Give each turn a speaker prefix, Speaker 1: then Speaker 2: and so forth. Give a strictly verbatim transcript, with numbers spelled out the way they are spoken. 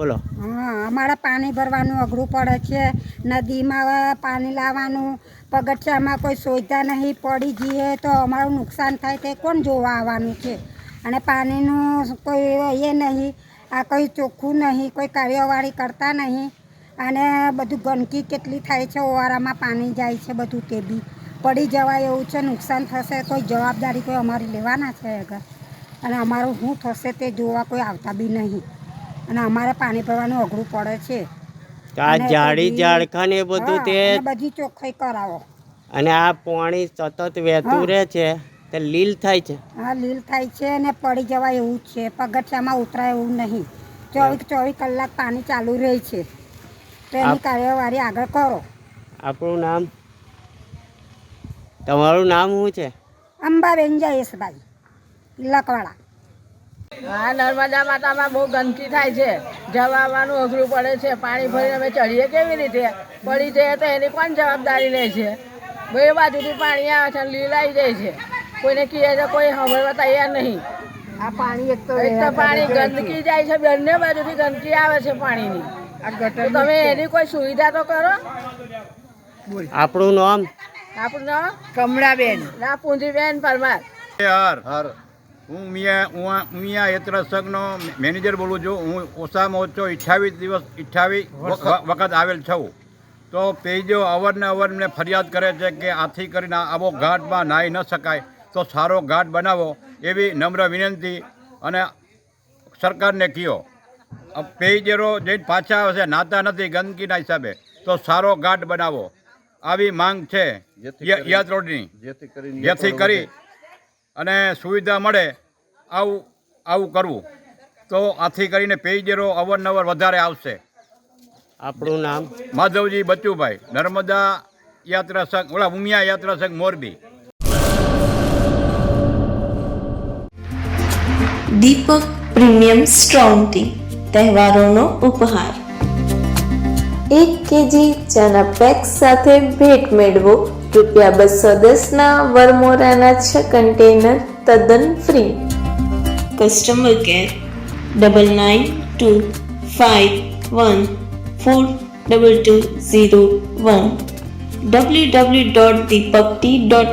Speaker 1: બોલો.
Speaker 2: હા, અમારે પાણી ભરવાનું અઘરું પડે છે. નદીમાં પાણી લાવવાનું, પગથિયામાં કોઈ સુવિધા નહીં, પડી જઈએ તો અમારું નુકસાન થાય તે કોણ જોવા આવવાનું છે. અને પાણીનું કોઈ એ નહીં, આ કોઈ ચોખ્ખું નહીં, કોઈ કાર્યવાહી કરતા નહીં. અને બધું ગંદકી કેટલી થાય છે, ઓવારામાં પાણી જાય છે બધું, તે બી પડી જવાય એવું છે, નુકસાન થશે, કોઈ જવાબદારી કોઈ અમારી લેવાના છે આગળ. અને અમારું શું થશે તે જોવા કોઈ આવતા બી નહીં. અને અમારે પાણી ભરવાનું અઘરું પડે છે.
Speaker 1: આ જાડી ઝાડખા ને એ બધું તે
Speaker 2: બધી ચોખ્ખાઈ કરાવો.
Speaker 1: અને આ પાણી સતત વહેતું રહે છે તે લીલ થાય છે.
Speaker 2: હા, લીલ થાય છે અને પડી જવાય એવું જ છે. પગથિયામાં ઉતરાય એવું નહીં. ચોવીસ ચોવીસ કલાક પાણી ચાલુ રહે છે. તો એની કાર્યવાહી આગળ કરો.
Speaker 1: આપણું નામ, તમારું નામ શું છે?
Speaker 2: અંબાબેન જયેશભાઈ લકવાડા.
Speaker 3: હા, નર્મદા માતામાં બહુ ગંદકી થાય છે. જવા આવવાનું અઘરું પડે છે. પાણી ભરીને અમે ચડીએ કેવી રીતે? પડી જઈએ તો એની કોણ જવાબદારી લે છે? બે બાજુથી પાણી આવે છે, લીલાઈ જાય છે. કોઈને કહે તો કોઈ સાંભળવા તૈયાર નહીં.
Speaker 2: આ પાણી એક તો
Speaker 3: એક તો પાણી ગંદકી જાય છે, બંને બાજુથી ગંદકી આવે છે પાણીની. તો તમે એની કોઈ સુવિધા તો કરો.
Speaker 1: આપણું નામ?
Speaker 3: આપણું નામ
Speaker 2: કમળાબેન.
Speaker 3: ના, પૂંજીબેન પરમાર.
Speaker 4: હર હર હું મિયા હું મિયા યાત્રા સંઘનો મેનેજર બોલું છું. હું ઓછામાં ઓછો અઠ્ઠાવીસ દિવસ અઠ્ઠાવીસ વખત આવેલ છું. તો પેજો અવારનવાર મને ફરિયાદ કરે છે કે આથી કરીને આવો ઘાટમાં નાહી ન શકાય, તો સારો ઘાટ બનાવો એવી નમ્ર વિનંતી અને સરકારને કહ્યો. પેજરો જઈને પાછા આવે છે, નાતા નથી ગંદકીના હિસાબે, તો સારો ઘાટ બનાવો આવી માંગ છે યાદ રોડની, જેથી કરી અને સુવિધા મળે આવું આવું કરવું. તો આથી કરીને પેજરો અવારનવાર વધારે આવશે.
Speaker 1: આપણું નામ?
Speaker 4: માધવજી બચુભાઈ, નર્મદા યાત્રા સંઘ, ઓલા ઉમિયા યાત્રા સંઘ, Morbi.
Speaker 5: Deepak premium strong tea, તહેવારોનો ઉપહાર. એક કેજી ચાના પેક સાથે ભેટ મેળવો. રૂપિયા બસો દસના વરમોરાના છ કન્ટેનર તદ્દન free. Customer care double nine two five one four double two zero one. W W dot Deepak tea dot